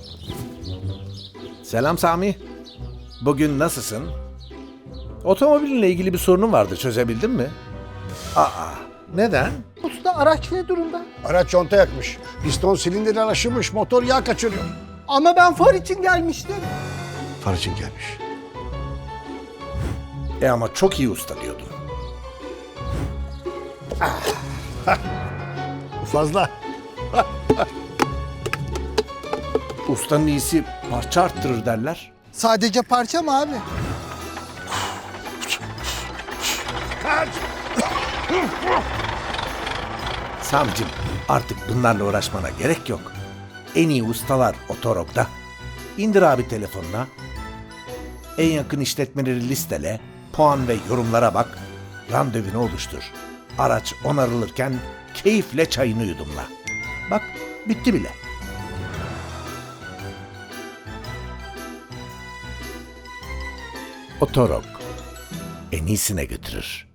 Selam Sami. Bugün nasılsın? Otomobilinle ilgili bir sorunun vardı, çözebildin mi? Neden? Usta araç ne durumda? Araç conta yakmış. Piston silindirden aşınmış. Motor yağ kaçırıyor. Ama ben far için gelmiştim. Far için gelmiş. Ama çok iyi usta diyordun. Bu fazla. Ustanın iyisi parça arttırır derler. Sadece parça mı abi? Samicim, artık bunlarla uğraşmana gerek yok. En iyi ustalar Otorok'ta. İndir abi telefonuna. En yakın işletmeleri listele, puan ve yorumlara bak. Randevunu oluştur. Araç onarılırken keyifle çayını yudumla. Bak, bitti bile. Otorok en iyisine götürür.